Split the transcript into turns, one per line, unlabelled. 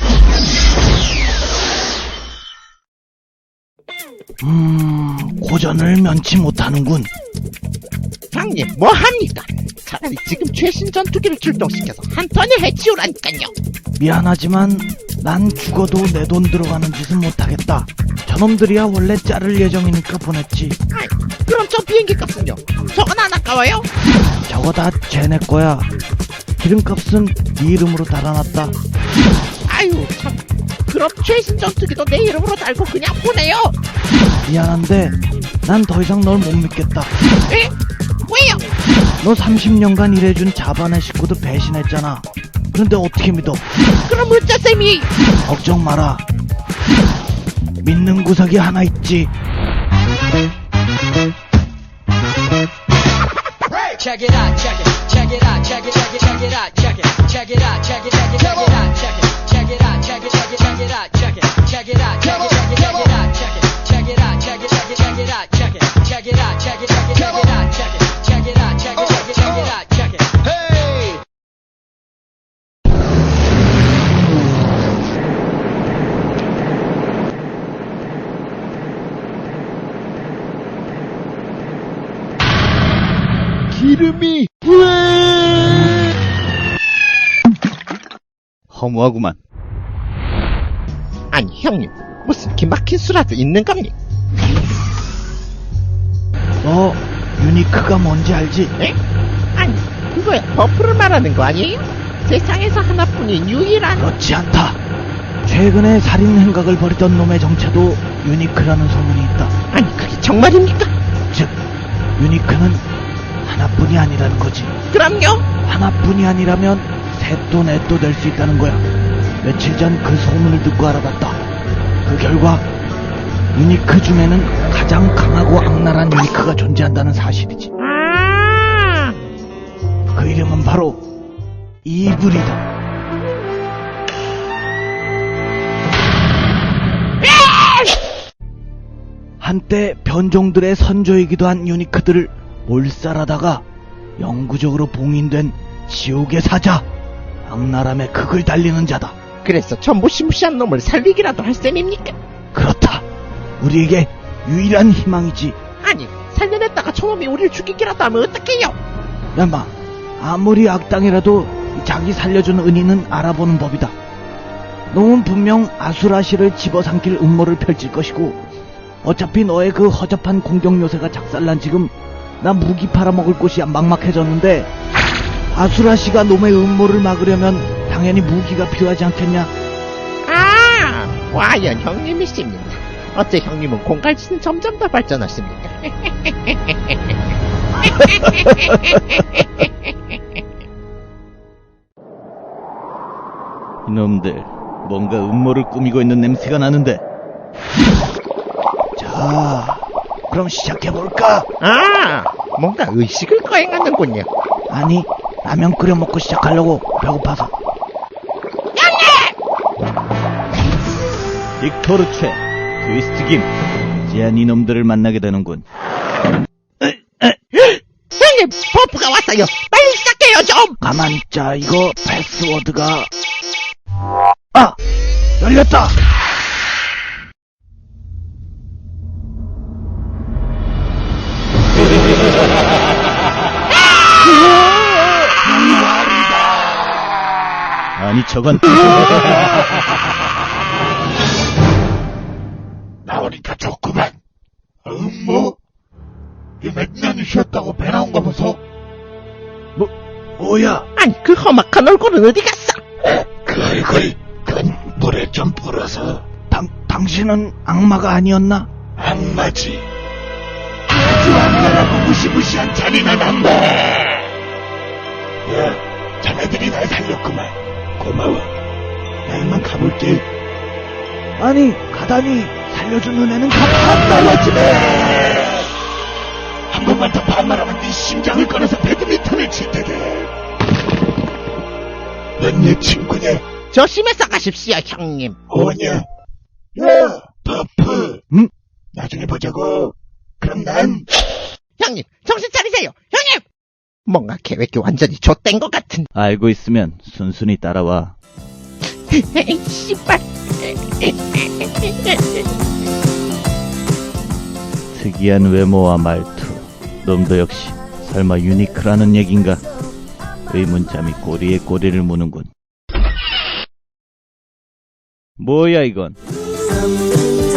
고전을 면치 못하는군.
형님, 뭐합니까? 차라리 지금 최신 전투기를 출동시켜서 한 턴에 해치우라니까요.
미안하지만 난 죽어도 내 돈 들어가는 짓은 못하겠다. 저놈들이야 원래 자를 예정이니까 보냈지.
아이, 그럼 저 비행기 값은요? 저건 안 아까워요?
저거 다 쟤네 거야. 기름값은 네 이름으로 달아놨다.
아유, 참. 그럼 최신 전투기도 내 이름으로 달고 그냥 보내요.
미안한데 난 더 이상 널 못 믿겠다.
에? 왜요?
너 30년간 일해준 자반의 식구도 배신했잖아. 그런데 어떻게 믿어?
그럼 어쩌셈이?
걱정 마라. 믿는 구석이 하나 있지.
Check it out, check it, check it out, check it, check it, check it out, check it, check it out, check it, check it, check it out, check it, check it out, check it, check it, check it out, check it, check it out, check it, check it, check it out, check it, check it out, check it, check it, check it out, check it, check it out, check it, check it, check it out, check it, check it out, check it, check it, check it out, check it. Hey!
기름이
허무하구만.
아니 형님, 무슨 기막힌 수라도 있는 겁니까?
너 유니크가 뭔지 알지?
에? 아니, 그거야 버프를 말하는 거 아니에요? 세상에서 하나뿐인 유일한.
그렇지 않다. 최근에 살인 행각을 벌이던 놈의 정체도 유니크라는 소문이 있다.
아니, 그게 정말입니까?
즉 유니크는 하나뿐이 아니라는 거지.
그럼요.
하나뿐이 아니라면 셋도 넷도 될 수 있다는 거야. 며칠 전 그 소문을 듣고 알아봤다. 그 결과 유니크 중에는 가장 강하고 악랄한 유니크가 존재한다는 사실이지.
아,
그 이름은 바로 이블이다. 한때 변종들의 선조이기도 한 유니크들을 몰살하다가 영구적으로 봉인된 지옥의 사자, 악랄함의 극을 달리는 자다.
그래서 저 무시무시한 놈을 살리기라도 할 셈입니까?
그렇다. 우리에게 유일한 희망이지.
아니, 살려냈다가 저놈이 우리를 죽이기라도 하면 어떡해요?
야마, 아무리 악당이라도 자기 살려준 은인은 알아보는 법이다. 놈은 분명 아수라시를 집어삼킬 음모를 펼칠 것이고, 어차피 너의 그 허접한 공격 요새가 작살난 지금 나 무기 팔아먹을 곳이 막막해졌는데, 아수라시가 놈의 음모를 막으려면 당연히 무기가 필요하지 않겠냐?
아, 과연 형님이십니다. 어째 형님은 공갈치는 점점 더 발전하십니까?
이놈들, 뭔가 음모를 꾸미고 있는 냄새가 나는데. 자, 그럼 시작해볼까?
아, 뭔가 의식을 거행하는군요.
아니, 라면 끓여 먹고 시작하려고. 배고파서. 빅토르 최, 트위스트 김, 이제야 이놈들을 만나게 되는군.
형님, 버프가 왔어요. 빨리 시작해요 좀.
가만 있자. 이거 패스워드가... 아! 열렸다! 아니 저건
나오니까 좋구만. 뭐? 이 몇 년이 쉬었다고 배 나온 거 보소?
뭐야?
아니, 그 험악한 얼굴은 어디 갔어?
그 얼굴, 그건 물에 좀 불어서
당신은 악마가 아니었나?
악마지. 아주 악마라고 무시무시한 잔인한 악마. 야, 자네들이 날 살렸구만. 고마워. 나 이만 가볼게.
아니 가다니 살려준 은혜는
반말하지네. 한 번만 더 반말하면 네 심장을 꺼내서 배드민턴을 칠 테다. 넌 내 친구냐?
조심해서 가십시오 형님.
뭐냐? 야, 버프.
응?
나중에 보자고. 그럼 난
형님, 정신 차리세요. 형님! 뭔가 계획이 완전히 좆된 것 같은.
알고 있으면 순순히 따라와.
에이, 씨발.
특이한 외모와 말투. 놈도 역시 설마 유니크라는 얘긴가? 의문점이 꼬리에 꼬리를 무는군. 뭐야 이건?